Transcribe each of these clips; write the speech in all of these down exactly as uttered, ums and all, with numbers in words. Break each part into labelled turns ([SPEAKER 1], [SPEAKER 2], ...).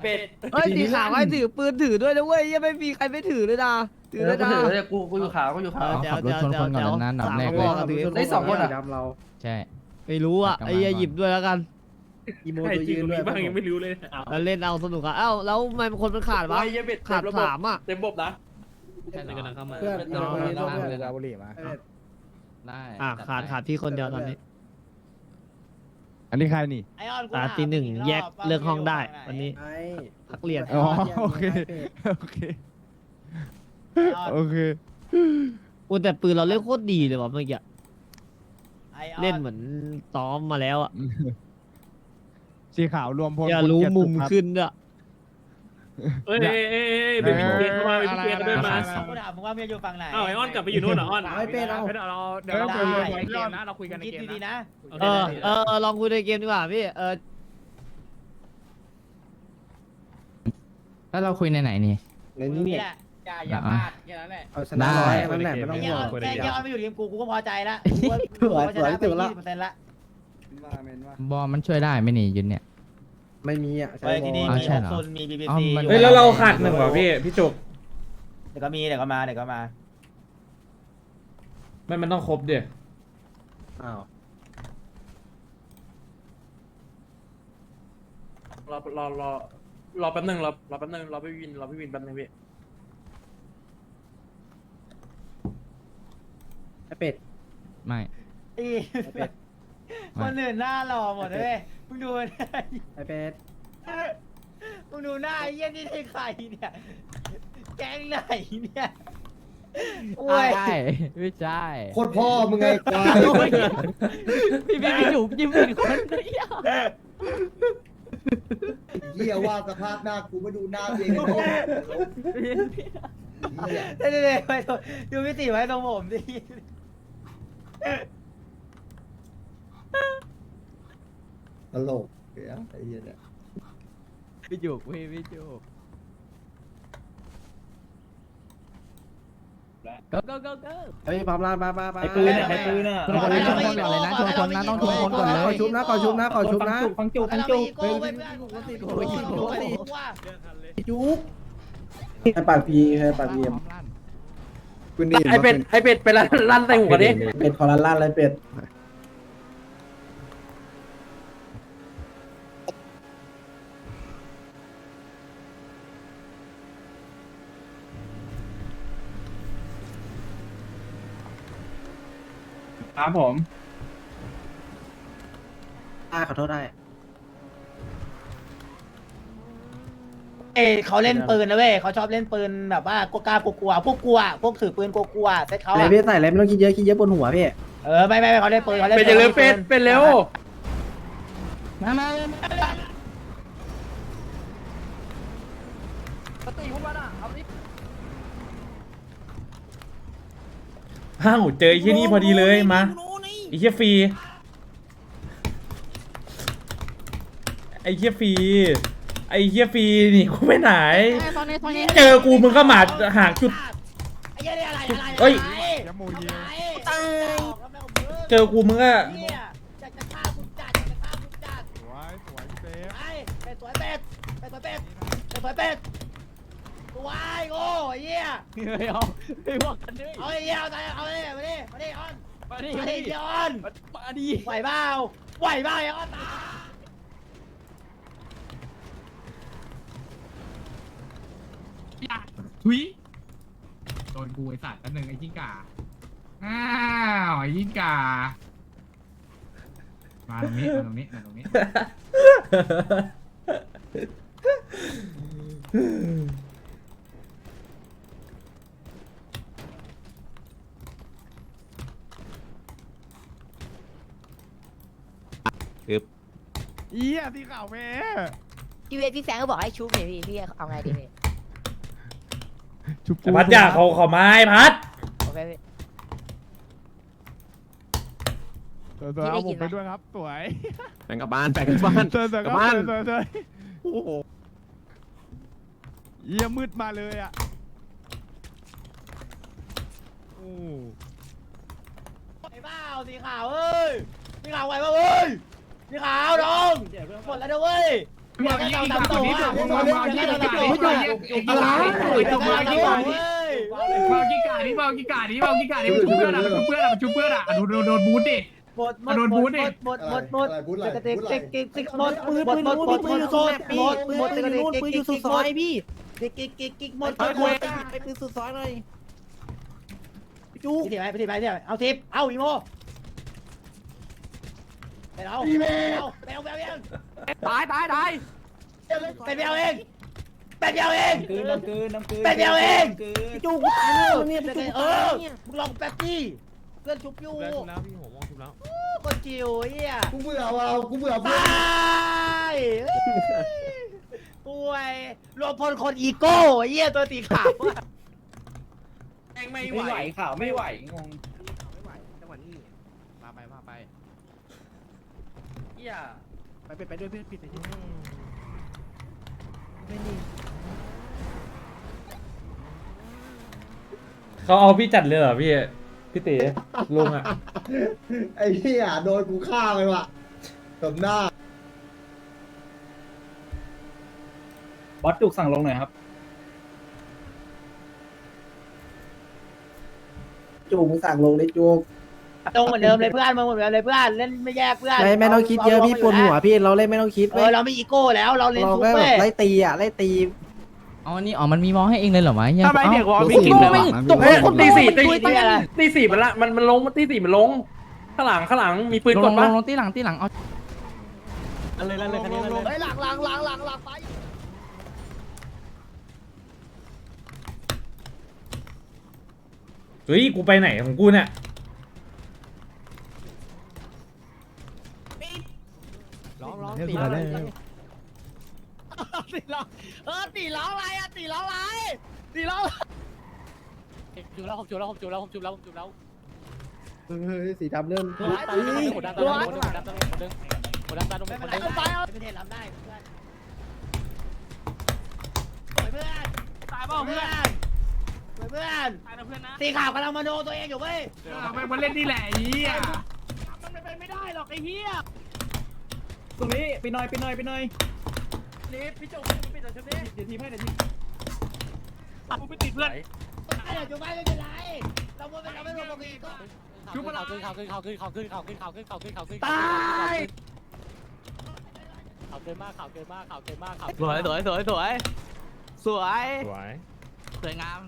[SPEAKER 1] เป็ด
[SPEAKER 2] เฮ้ยสีขาวไอ้ถือปืนถือด้วยนะเว้ยยังไม่มีใครไม่ถือเลยนะถือ
[SPEAKER 1] เอ
[SPEAKER 2] เล
[SPEAKER 1] อย กู
[SPEAKER 2] นะ
[SPEAKER 1] ถือเลยกูกูอยู่ขาวกูอยู่ขาว
[SPEAKER 2] เดี๋ยว
[SPEAKER 3] ขับรถชนคนก่อนนะนับแรกเลย
[SPEAKER 2] สามกระบอกถือ
[SPEAKER 1] ได้สองคนอะ
[SPEAKER 4] ดำเรา
[SPEAKER 3] ใช่
[SPEAKER 2] ไม่รู้อ่ะไอ้เหี้ยหยิบด้วยแล้วกัน
[SPEAKER 4] อีโมตัวยืนด้วย
[SPEAKER 5] บ้างยังไม่รู้เลย
[SPEAKER 2] แล้วเล่นเอาสนุกอ่ะเอ้าแล้วทำไมคนมันขาดวะ
[SPEAKER 1] ไอ้เหี้ยเป็ด
[SPEAKER 2] ขาด
[SPEAKER 1] เต็มระบบ
[SPEAKER 2] สามอ่ะ
[SPEAKER 1] เต็มระบบนะ
[SPEAKER 5] ใช่กำลังเข้ามา
[SPEAKER 4] เพื่อน
[SPEAKER 1] น้อง
[SPEAKER 4] เพื่อน
[SPEAKER 3] น้อง
[SPEAKER 4] เพื่อน
[SPEAKER 3] เลย
[SPEAKER 4] ดาบุรีมา
[SPEAKER 3] ได้
[SPEAKER 2] อ่ะขาดขาดพี่คนเดียวตอนนี้
[SPEAKER 3] อันนี้ใครนี่
[SPEAKER 6] ไอออนกู
[SPEAKER 2] อ่ะ
[SPEAKER 6] ถาม
[SPEAKER 2] ตีหนึ่ง
[SPEAKER 6] อีรบ
[SPEAKER 2] แยก
[SPEAKER 6] ว่า
[SPEAKER 2] เลือกห้องได้
[SPEAKER 6] มั
[SPEAKER 2] วัน
[SPEAKER 6] น
[SPEAKER 2] นี้
[SPEAKER 6] อยู่
[SPEAKER 4] ไอ้
[SPEAKER 2] พักเรียน
[SPEAKER 3] อ๋อโอเคโอเค
[SPEAKER 6] ฝั่งไหน
[SPEAKER 3] โอเค
[SPEAKER 2] อุ้ยแต่ปืนเราเล่นโคตรดีเลยว่ะเมื่อกี้
[SPEAKER 6] ไอออน
[SPEAKER 2] เล่นเหมือนซ้อมมาแล้วอ่ะ
[SPEAKER 3] สีขาวรวมพล
[SPEAKER 2] อย่า
[SPEAKER 3] คุณ
[SPEAKER 2] รู้
[SPEAKER 3] เกียติ
[SPEAKER 2] มุม
[SPEAKER 3] สุขครับ
[SPEAKER 2] ขึ้นด้วย
[SPEAKER 5] เอ้ยเอ้ยเอ้ยเอ้ยเบบี้เกย์เข้ามาเบบี้เกย์เขาเดินมา
[SPEAKER 6] กูถามมึงว่ามึงจะอยู่ฝั่งไหน
[SPEAKER 5] อ้าวไอออนกลับไปอยู่นู่นเหรอออน
[SPEAKER 4] ไม่เป็นเอา
[SPEAKER 5] เดี๋ยวเราเดี๋ยวเราคุยกันในเกมนะเราคุยกันใน
[SPEAKER 6] คิด
[SPEAKER 5] เกม
[SPEAKER 6] ดีๆ
[SPEAKER 5] นะ
[SPEAKER 6] นะ
[SPEAKER 2] เออเออเออลองคุยในเกมดีกว่าพี่เออ
[SPEAKER 3] แล้วเราคุยในไหนนี่
[SPEAKER 4] ใน
[SPEAKER 6] มึง
[SPEAKER 4] นี่
[SPEAKER 6] นี่แหละอย่าอย่าพลาดแค่นั้นแหละ
[SPEAKER 4] เอาชนะร้อยนั่นแหละไม่ต้อง
[SPEAKER 6] ไอ้
[SPEAKER 4] ห่
[SPEAKER 6] เหี้ยว
[SPEAKER 4] ง
[SPEAKER 6] แค่แค่ออนไม่อยู่ทีมกูกูก็พอใจละกูว่า
[SPEAKER 4] สวย
[SPEAKER 6] กูชนะ
[SPEAKER 4] สวย
[SPEAKER 6] ไป
[SPEAKER 4] สุดละ
[SPEAKER 6] ยี่สิบเปอร์เซ็นต์ละ
[SPEAKER 3] บอลมันช่วยได้ไหมนี่ยุนเนี่ย
[SPEAKER 4] ไม่มีอ่ะ
[SPEAKER 6] เฮ้ยที่นี่
[SPEAKER 3] อ๋อ
[SPEAKER 6] มี
[SPEAKER 3] ใช่
[SPEAKER 6] ห
[SPEAKER 3] เหร
[SPEAKER 6] ก
[SPEAKER 3] อ
[SPEAKER 6] ซุนมีบีบี
[SPEAKER 3] อ๋อ
[SPEAKER 6] ซี
[SPEAKER 3] มัน
[SPEAKER 6] อยู่
[SPEAKER 7] เฮ้ยแล้วเราขาดหนึ่งว่ะพี่พี่จุก
[SPEAKER 6] เดี๋ยวก็มีเดี๋ยวก็มาเดี๋ยวก็มา
[SPEAKER 7] มันมันต้องครบเดี๋ย
[SPEAKER 4] อ้าว
[SPEAKER 1] รอรอรอรอแป๊บนึงรอรอแป๊บนึงรอพี่วินรอพี่วินแป๊บนึงพี่
[SPEAKER 4] ไอ้เป็ด
[SPEAKER 3] ไม่
[SPEAKER 6] อี
[SPEAKER 4] ไอ้เป็ด
[SPEAKER 6] คนอื่นหน้าหล่อหมดเลยมึงดู
[SPEAKER 4] ไอ้เป็ด
[SPEAKER 6] มึงดูหน้าไอ้เหี้ยนี่ใช่ใครเนี่ยแก๊งไหนเนี่ยโอ้ย
[SPEAKER 3] ใช่ไม่ใช่
[SPEAKER 4] โคตรพ่อมึงไงควาย
[SPEAKER 2] พี่พี่พี่อยู่ยิ้มเป็นคนเดียว
[SPEAKER 8] เหี้ยว่าสภาพหน้ากูไม่ดูหน้าตัวเองเลย
[SPEAKER 6] เดี๋ยวเดี๋ยวเดี๋ยวไปตรงดูพี่ติไว้ตรงผมดิ
[SPEAKER 8] ตลกเหี้ยไอ้เหี้ยเนี่ย
[SPEAKER 3] พี่จุกพี่พี่จุก go go go go
[SPEAKER 4] เฮ้ยพร้อมลานมามามา
[SPEAKER 6] ไอ้ปืนเนี่ยไอ้ปืนเนี่ย
[SPEAKER 3] ชนคนเลยชนคนก่อนเลยนะชนคนนะต้องชนคนก่อนเลย
[SPEAKER 4] ขอชุบนะขอชุบนะขอชุบนะ
[SPEAKER 6] ฟังจุกฟังจุก
[SPEAKER 4] เฮ้ย จุ๊กให้ปากพีให้ปากพีเอ็ม
[SPEAKER 1] ไอเป็ดไอเป็ดไปลั่นลั่นใส่หัวดิ
[SPEAKER 4] เป็ดขอลันลั่นเลยเป็ดครับผมได้ขอโทษได้
[SPEAKER 6] เอ้ยเขาเล่นปืนนะเว้ยเขาชอบเล่นปืนแบบว่ากล้ากลัวๆพวกกลัวพวกถือปืนกลัวๆเซ็ตเขา
[SPEAKER 4] อะไร
[SPEAKER 6] อะ
[SPEAKER 4] พี่ใส่อะไรไม่ต้องคิดเยอะคิดเยอะบนหัวพี่
[SPEAKER 6] เออไม่ไม่ไม่เขาเล่นปืนเขาเล่น
[SPEAKER 1] เป็ดจะเร็วเป็ดเป็ดเร็ว
[SPEAKER 3] มามา
[SPEAKER 7] อ้าวเจอไอ้ที่นี่พอดีเลยมาไอ้เหี้ยฟรีไอ้เหี้ยฟรีไอ้เหี้ยฟรีนี่กูไปไหน เจอกูมึงก็หมาหางจุด
[SPEAKER 6] ไอ้เหี้ยนี่อะไรอะไร
[SPEAKER 7] เฮ้ย
[SPEAKER 3] ยามูยิง
[SPEAKER 7] เจอกูมึงก็
[SPEAKER 6] เนี่ยอยากจะฆ่าคุณจัดอยากจะฆ่าคุณจัด
[SPEAKER 3] สวยสวยเซฟ
[SPEAKER 6] ไอ้เป็ดสวยเป็ดเป็ดสวยเป็ดเป็ดสวยเป็ดสวยโง่ไอ้เหี้ย
[SPEAKER 2] ไม่เอาไม่ว่ากันเลย
[SPEAKER 6] เอาไอ้เหี้ยเอาใจเอาเลยมาดิมาดิออน
[SPEAKER 2] มาดิ
[SPEAKER 6] มา
[SPEAKER 2] มา
[SPEAKER 6] ดิ
[SPEAKER 2] ดิ
[SPEAKER 6] เดี๋ยวออน
[SPEAKER 2] มาดิ
[SPEAKER 6] ไหวเปล่าไหวเปล่าไอ้ออนตาย
[SPEAKER 9] ทุยโดนกูไอสัตว์อันหนึ่งไอ้จิ้งก่า อ้าวไอ้จิ้งก่า มาตรงนี้ มาตรงนี้ มาตรงนี้
[SPEAKER 3] เอี้ยสีขาวแม่
[SPEAKER 10] พี่เวทพี่แฟงก็บอกให้ชุบเนี่ยพี่พี่เอาไงดีพี่
[SPEAKER 3] ชุบ
[SPEAKER 7] แต่พัดอยากเขาเขาไม้พัด
[SPEAKER 10] โอเคพี่
[SPEAKER 3] เสือเสือเอาผมไปด้วยครับสวย
[SPEAKER 5] แบ่งกับบ้านแบ่งกับบ้าน
[SPEAKER 3] เสือเสือก
[SPEAKER 5] ลั
[SPEAKER 3] ก็
[SPEAKER 5] บบ้าน
[SPEAKER 3] เสือเสือโอ้โหเอี้ยมืดมาเลยอ่ะโอ้
[SPEAKER 6] ไหวเปล่าสีขาวเอ้ยสีขาวไหวเปล่าเว้ยสีขาวน้องหมดแล้วนะเว้ย
[SPEAKER 9] มึงเอายี่กาตัวนี้มึงเอายี่กาตัวนี้มึงเอายี่กาตัวนี้มึงเอายี่กาตัวนี้มึงเอายี่กานี้มึงเอายี่กานี้มึงเอายี่กานี้มันชุบเพื่อนอ่ะมันชุบเพื่อนอ่ะมันชุบเพื่อนอ่ะโดนโดนโดนบูทดิ
[SPEAKER 6] หมดหมดหมดหมดหมดหมด
[SPEAKER 8] อะไรพูดอะไร
[SPEAKER 6] เด็ก
[SPEAKER 8] พูดอะไร
[SPEAKER 6] เด็กเด็กเด็กหมดปืนปืนนู้นปืนอยู่สุดหมดหมดปืนนู้นปืนอยู่สุดซอยพี่เด็กเด็กเด็กเด็กหมดหมดหมดไปปืนสุดซอยหน่อยจูพี่ทีไปพี่ทีไปพี่ทีเอาทิปเอาอีโมไปเอาไปเอาไปเอาเอง
[SPEAKER 2] ตายตายตาย
[SPEAKER 6] ไปเอาเองไปเอาเอง
[SPEAKER 2] คืนน้ำคืนน้ำคืน
[SPEAKER 6] ไปเอาเองจูกูตายแล้วเนี่ยเออมึงลองแป๊บดิเพื่อนชุบอยู่
[SPEAKER 3] แล้วพี่หัวมองชุบแล้ว
[SPEAKER 6] คนจิ๋วเฮีย
[SPEAKER 8] กูเบื่อว่ะกูเบื่อเพื่
[SPEAKER 6] ต
[SPEAKER 8] อน
[SPEAKER 6] ายป่วยรวมพลคนอีโก้เฮียตัวตีขาว
[SPEAKER 1] แม่งไม่ไหวข่าวไม่ไหวงง
[SPEAKER 2] ไม่ไหวจังหวะนี้มาไปมาไป
[SPEAKER 1] เหี้ย
[SPEAKER 2] ไปไปไปด้วยเพื่อนปิดไปที่
[SPEAKER 7] เขาเอาพี่จัดเลยเหรอพี่พี่ตีลุงอ่ะ
[SPEAKER 8] ไอ้เหี้ยโดนกูฆ่าไปว่ะตบหน้า
[SPEAKER 1] บอสจุกสั่งลงหน่อยครับ
[SPEAKER 4] จูมึงสั่งลงได้จู
[SPEAKER 6] ตรงเหมือนเดิมเลยเพื่อนมึงเหมือนเดิมเลยเพื่อนเล่นไม่แยกเพื่อน
[SPEAKER 2] ไม่ไม่ต้องคิดเยอะพี่ปวดหัวพี่เราเล่นไม่ต้องคิด
[SPEAKER 6] เออเราไม่อีโก้แล้วเราเล่น
[SPEAKER 2] เรา
[SPEAKER 6] ทุก
[SPEAKER 2] แค่แบ
[SPEAKER 6] เว้
[SPEAKER 2] บ
[SPEAKER 6] ย
[SPEAKER 2] ไล่ตีอ่ะไล่ตี
[SPEAKER 11] อ๋อนี่อ๋อมันมีมองให้เองเลยเหรอวะเหี้ย
[SPEAKER 1] ทำไมเด็กวอลไม่
[SPEAKER 11] อ้า
[SPEAKER 1] กินเลยวะ
[SPEAKER 11] ตก
[SPEAKER 1] เฮ้ยตีสี่ตี
[SPEAKER 6] ตีอะไร
[SPEAKER 1] ตีสี่มันละมันมันลงตีสี่มันลงข้างหลังข้างหลังมีปืน
[SPEAKER 11] ล
[SPEAKER 1] ก
[SPEAKER 11] ง
[SPEAKER 1] ด
[SPEAKER 11] ล
[SPEAKER 1] ปะ
[SPEAKER 11] งลงตีหลังตีหลังเอา
[SPEAKER 1] อะไรอะไรอะไรอะไร
[SPEAKER 2] ไอ้หลังหลังหลังหลังหลังไป
[SPEAKER 7] เฮ้ยกูไปไหนของกูเนี่ย
[SPEAKER 2] ร้องร้องตีร้องตีร้องเออตีร้องอะไรอ่ะตีร้องอะไรตีร้อง
[SPEAKER 6] จุบแล้วผมจุบแล้วผมจุบแล้วผมจุบแล้วผมจุบแล้ว
[SPEAKER 8] เฮ้ยสีดำเริ่ม
[SPEAKER 6] หัวดันตาลงหัวดันตาลงหัวดันตาลงหัวดันหัวดันตาลงหัวดันตาลงไม่เทรับได้เพื่อนเพื่อนตายเปล่าเพื่อนเพื่อนสีขาวกำลังมโนตัวเองอยู่เว้ย
[SPEAKER 9] แม่งมันเล่นนี่แหละไอ้เหี้ย
[SPEAKER 6] มันเป็นไม่ได้หรอกไอ้เหี้ย
[SPEAKER 1] ตรงนี้ไปหน่อยไปหน่อยไปหน่อยนี่พี่จุกพี่จุกชุบนี้เดี๋ยวทีมให้เดี๋ยวทีม
[SPEAKER 9] กูไปติดเพื่อน
[SPEAKER 6] เดี๋ยวจุบไม่ไม่เป็นไรเราไม่เราไม่รวมกันอีกก็
[SPEAKER 9] ชุบอะไร
[SPEAKER 6] เขาขึ้นเขาขึ้นเขาขึ้นเขาขึ้นเขาขึ้นเขาขึ้นเขาขึ้นเขาขึ้น
[SPEAKER 1] ตาย
[SPEAKER 6] เขาเกินมากเขาเกินมากเขาเกินมากเขา
[SPEAKER 2] สวยสวยสวยสวยสวย
[SPEAKER 3] สวย
[SPEAKER 2] สวยงาม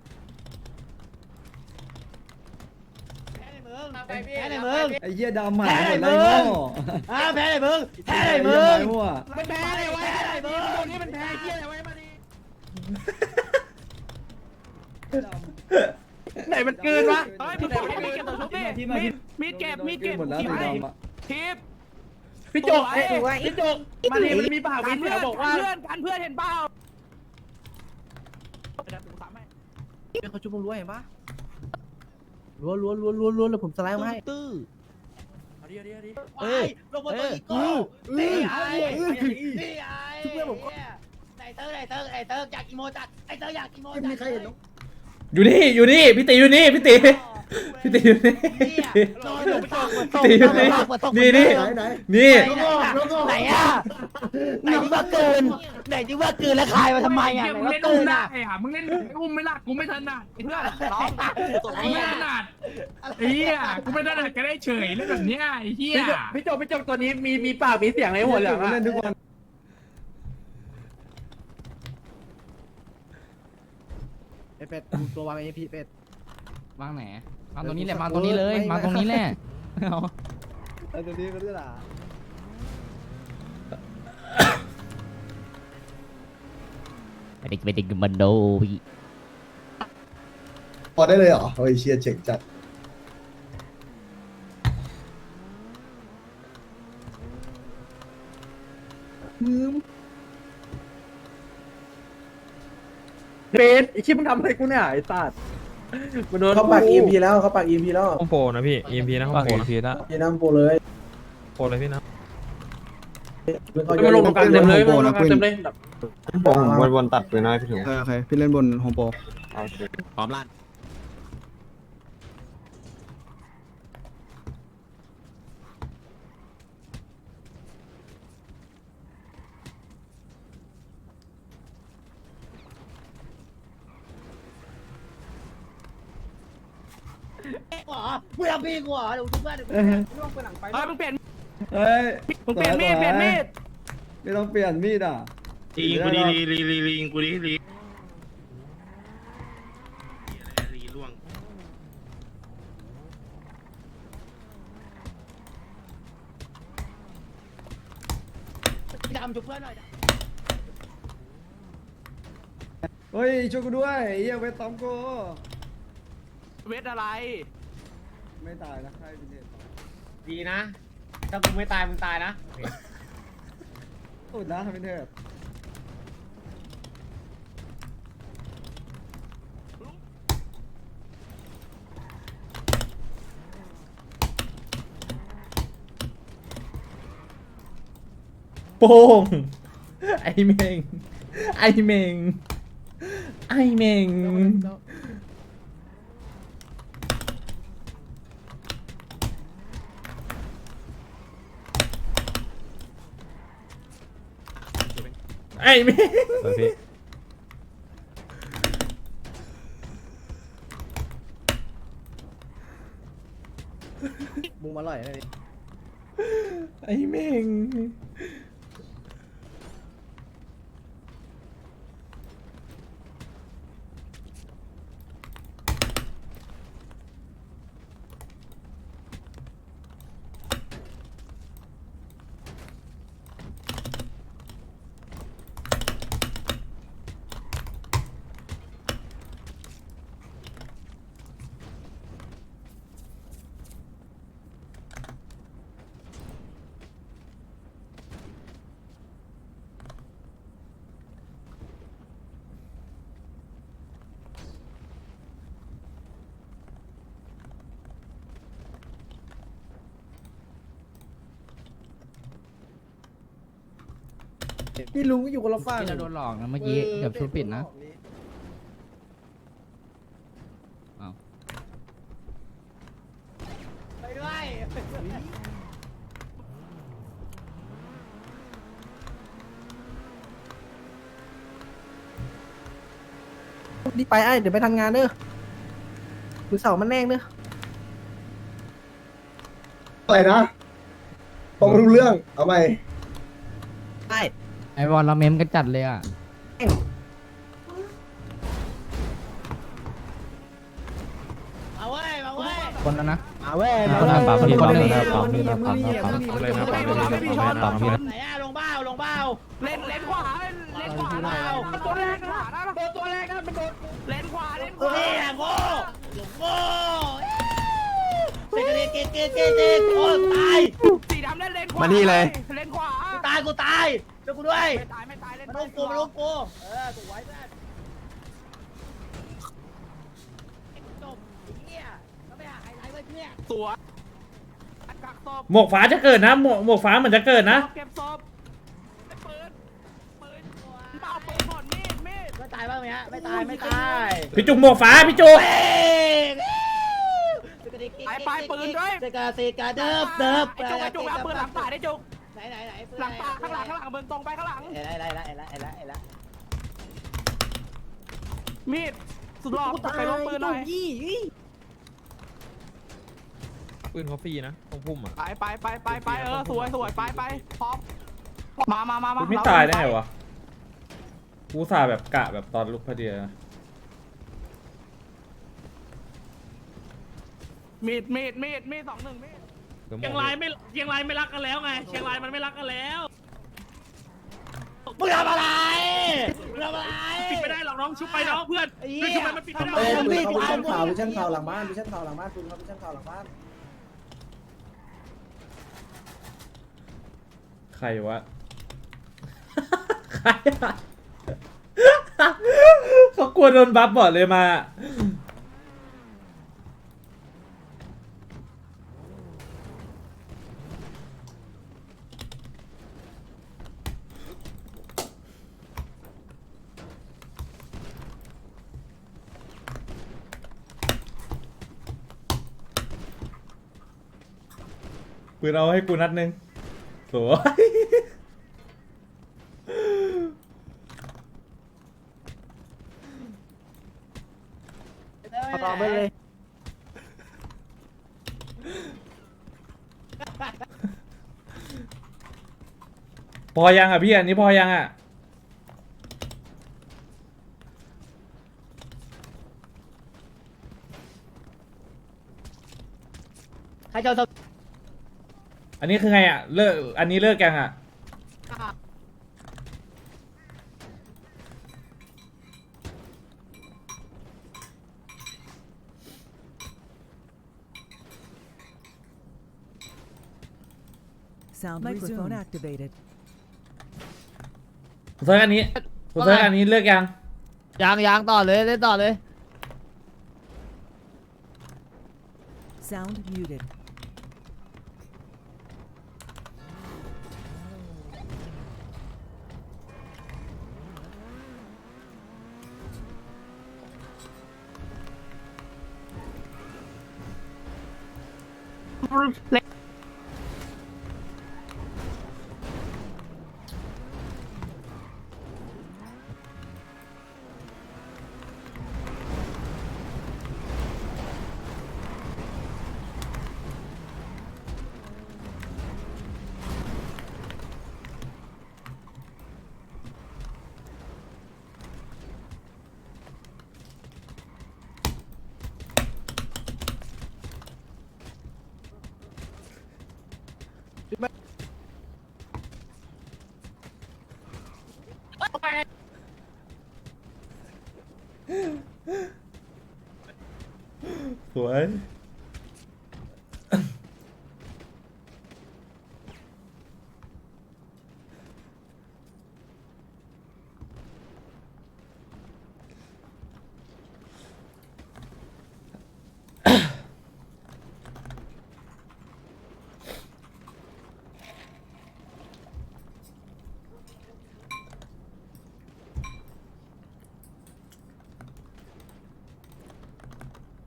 [SPEAKER 6] แพ้ในเมืองแพ้ในเมือง
[SPEAKER 8] ไอ้เหี้ยดำหมา
[SPEAKER 6] แพ้ในเมืองอ่าแพ้ในเมืองแพ้ในเมือง
[SPEAKER 1] มันแพ้เลยไว้
[SPEAKER 6] แพ้ในเมือง
[SPEAKER 1] ตรงนี้มันแพ้เหี้ยอะไรไว้มาดิไหนมันเกินวะ
[SPEAKER 2] เฮ้ยมึงบอกให้มีเก็บตัวชุบดิมีมีเก็บมีเก็บ
[SPEAKER 8] หมดแล้วสีดำอ่ะ
[SPEAKER 2] ทิป
[SPEAKER 1] พี่จุกพี่จุกมาดิมันมีปากมี
[SPEAKER 2] กัน
[SPEAKER 1] เสี
[SPEAKER 2] เพื่
[SPEAKER 1] ย
[SPEAKER 2] อน
[SPEAKER 1] บอกว่า
[SPEAKER 2] เพื่อนกันเพื่อนเห็นเปล่าเขาชุบมึงรู้เห็นปะรัวรัวรัวรัวรัวแล้วผมสไลด์มาให้ตื้อ
[SPEAKER 1] เอาดิเอาดิเอาดิ
[SPEAKER 6] เอ้ยลงมาตัวอีโก้นี่ไอ้นี่ไอ้ชุบเพื่อนผมไอเตอร์ไอเตอร์ไอเตอร์อยากอีโมจัดไอเตอร์อยากอีโมจัด
[SPEAKER 8] ไม่มีใครเห็นหรอก
[SPEAKER 7] อยู่นี่อยู่นี่พี่ตีอยู่นี่พี่ตีพี่ตีอยู่นี่
[SPEAKER 6] นอนอยู่ตก
[SPEAKER 7] ตีอยู่นี่นี่นี่
[SPEAKER 8] ไหนไหน
[SPEAKER 7] นี่
[SPEAKER 6] ไหนอะไหนที่ว่าเกินไหนที่ว่าเกินแล้วคายมาทำไมอะ
[SPEAKER 9] เหี้ย
[SPEAKER 6] ไหน
[SPEAKER 9] มึง
[SPEAKER 6] ว่า
[SPEAKER 9] เล่น
[SPEAKER 6] เกิ
[SPEAKER 9] อุ้ม
[SPEAKER 6] น
[SPEAKER 9] ได้
[SPEAKER 6] อะ
[SPEAKER 9] อ่ะมึงเล่นอุ้มไม่ละกูไม่ถนัดไอ้เพื่อน
[SPEAKER 2] ร้องตัว
[SPEAKER 9] กูไม่ถนัดไอ้เหี้ยกูไม่ถนัดก็ได้เฉยเล่นแบบเนี้ยไอ้เหี้ย
[SPEAKER 1] พี่จุกพี่จุกพี่จุกตัวนี้มีมีปากมีเสียงในหัวเหลืองอะ
[SPEAKER 8] เล่นทุกวัน
[SPEAKER 2] ไอเป็ดตัววางไอพีเป็ด
[SPEAKER 11] วางไหนวางตรงนี้แหละวางตรงนี้เลย
[SPEAKER 2] ไม่
[SPEAKER 11] วางตรงนี้แหละเอา
[SPEAKER 8] ไอ้ตัวนี้ก็ได้ล่ะ
[SPEAKER 11] ไปดิไปดิมันโดพี่
[SPEAKER 8] พอได้เลยเหรอเฮ้ยเชียร์เจ๋งจัด
[SPEAKER 1] เบสไอ้ชิบมึงทำอะไรกูเนี่ยไอ้สัตว์มันโดน
[SPEAKER 4] เขาปากอีพีแล้วเขาปากอีพีแล้ว
[SPEAKER 3] ห้องโปรนะพี่ อี เอ็ม พี นะห้องโปรนะ
[SPEAKER 4] ยีน้ำโปเลย
[SPEAKER 3] โปรเลยพี่นะ
[SPEAKER 1] มันลงตรงกลางเต็มเลยมันลงตรงกลางเต็มเลย
[SPEAKER 4] วนวน
[SPEAKER 8] ตัดไปน้อยพี่ถุง
[SPEAKER 4] โอเคพี่เล่นบนโฮมโปร
[SPEAKER 2] พร้อมลั่น
[SPEAKER 6] กูเหรอมึงทำพี่กูเหรอเดี๋ยวกูเพื่อนเดี๋ยวกู
[SPEAKER 1] เฮ้ยมึงเปลี่ยน
[SPEAKER 8] เฮ้ย
[SPEAKER 1] มึงเปลี่ยนมีดเปลี่ยนมีด
[SPEAKER 8] ไม่ต้องเปลี่ยนมีดอ่ะ
[SPEAKER 5] ลีกูดีลีลีลีลีกูดีลีลีล่วง
[SPEAKER 6] ดำจุกเพื่อนหน่อย
[SPEAKER 8] เฮ้ยช่วยกูด้วยเฮียเวทตอมกู
[SPEAKER 1] เวทอะไร
[SPEAKER 8] ไม่ตายนะใครเป็นเด็ก
[SPEAKER 6] ดีนะถ้ากูไม่ตายมึงตายนะ
[SPEAKER 8] สุดนะเป็นเด็กโป้งไอเมงไอเมงไอเมงไอเมง
[SPEAKER 3] เออพี่
[SPEAKER 2] มุงอร่อยเลย
[SPEAKER 8] ไอเมงพี่ลุงก็อยู่คนละฝั่ง
[SPEAKER 11] พี่เราโดนหลอกนะเมื่อกี้เกือบชุดปิดนะ
[SPEAKER 6] ไปด้วย
[SPEAKER 2] รีบไปไอ้เดี๋ยวไปทำงานเด้อมือเสามันแน่งเด้อ
[SPEAKER 8] อะไรนะต้องรู้เรื่องเอาไป
[SPEAKER 2] ไอ้
[SPEAKER 11] ไอวอลเราเมมกันจัดเลยอ่ะ
[SPEAKER 6] มาเว้ยมาเว้ย
[SPEAKER 11] คนแล้วนะ
[SPEAKER 2] มาเว้ย
[SPEAKER 11] คนละปั๊มพี่ปั๊มเลยนะ
[SPEAKER 2] ปั๊
[SPEAKER 11] ปั๊
[SPEAKER 2] ม
[SPEAKER 11] ม
[SPEAKER 2] นี่
[SPEAKER 11] เลยนะ
[SPEAKER 2] ปั๊
[SPEAKER 11] ปั๊
[SPEAKER 2] ม
[SPEAKER 11] ม
[SPEAKER 2] นี่
[SPEAKER 11] ปั๊ม
[SPEAKER 3] เลยนะปั๊มเลยนะปั๊มเลยนะปั๊มเลยนะ
[SPEAKER 6] ไหนอะลงเบ้าลงเบ้า
[SPEAKER 1] เลนเลนขวาเลนขวาได้มันตัวแรกขวาได้ปะตัวแรกนะมันโดนเลนขวาเลนข
[SPEAKER 6] กู
[SPEAKER 1] วา
[SPEAKER 6] นี่อะโง่หลงโง่เซ็กเซ็กเซ็กเซ็กเซ็กโอ้ตาย
[SPEAKER 1] สีดำเล่นเลนขวา
[SPEAKER 2] มานี่เลย
[SPEAKER 1] เลนขวา
[SPEAKER 6] กูตายกูตายช่วยกูด้วย
[SPEAKER 1] ไม่ตายไม่ตายเล่น
[SPEAKER 6] มาลงกูมาลงกูเออถูกไว้แม่จบเฮียแล้วไปหาไฮไลท์ไว้เพื่อน
[SPEAKER 1] ตัวกักศพ
[SPEAKER 7] หมวกฟ้าจะเกิดนะหมวกหมวกฟ้าเหมือนจะเกิดนะ
[SPEAKER 1] เก็บศพไอ้ปืนปืนเปล่าปืนหมดมีดมีด
[SPEAKER 6] ไม่ตายบ้างไหมฮะไม่ตายไม่ตาย
[SPEAKER 7] พี่จุกหมวกฟ้าพี่จุก
[SPEAKER 1] ไปไปปืนด้วย
[SPEAKER 6] เซกาเซกาเดิบเดิบ
[SPEAKER 1] ไอ้จุกไอ้จุกเอาปืนหลังป่าได้จุก
[SPEAKER 6] ไหนไหนไหน
[SPEAKER 1] หลังป่าข้างหลังข้างหลังเบิร์นตรงไปข้างหลัง
[SPEAKER 6] เอ้ยไล่ไล่ไล่ไล่ไล่ไล่
[SPEAKER 1] มีดสุดหล่อไปลงปืนหน่อย
[SPEAKER 3] ปืนเขาฟรีนะตรงพุ่มอ่ะ
[SPEAKER 1] ไปไปไปไปไปเออสวยสวยไปไปพร้อมมามามามา
[SPEAKER 7] ไม่ตายได้ไงวะกูสาแบบกะแบบตอนลุกพอดีนะ
[SPEAKER 1] มีดมีดมีดมีดสองหนึ่งมีด
[SPEAKER 3] เดี๋ยวหม
[SPEAKER 5] เชีย
[SPEAKER 3] ด
[SPEAKER 5] งรายไม่เชียงรายไม่รักกันแล้วไงเชียงรายมันไม่รักกันแล้ว
[SPEAKER 6] มึงทำอะไรมึงทำอะไร
[SPEAKER 5] ปิดไม่ได้หรอกน้องชุบไปน้องเพื่อนเพื่อนชุบไปมันปิดไม่ได้
[SPEAKER 4] เอ้ยปืนเขาวิชั่นข่าววิชั่นข่าวหลังบ้านวิชั่นข่าวหลังบ้านปืนเขาวิชั่นข่าวหลังบ้าน
[SPEAKER 7] ใครวะ ใครอะเขากลัวโดนบัฟบอดเลยมาปืนเอาให้กูนัดหนึ่งสวย
[SPEAKER 2] ต่อไปเลย
[SPEAKER 7] พอยังอ่ะพี่อันนี้พอยังอ่ะ
[SPEAKER 6] ใครจะเอา
[SPEAKER 7] อันนี้คือไงอ่ะเลิกอันนี้เลิกยังอ่ะ
[SPEAKER 12] Sound microphone activated.
[SPEAKER 7] ผมเซิร์ชอันนี้ผมเซิร์ชอันนี้เลิกยัง
[SPEAKER 2] ยางยางต่อเลยเล่นต่อเลย
[SPEAKER 12] Sound muted.
[SPEAKER 7] สวย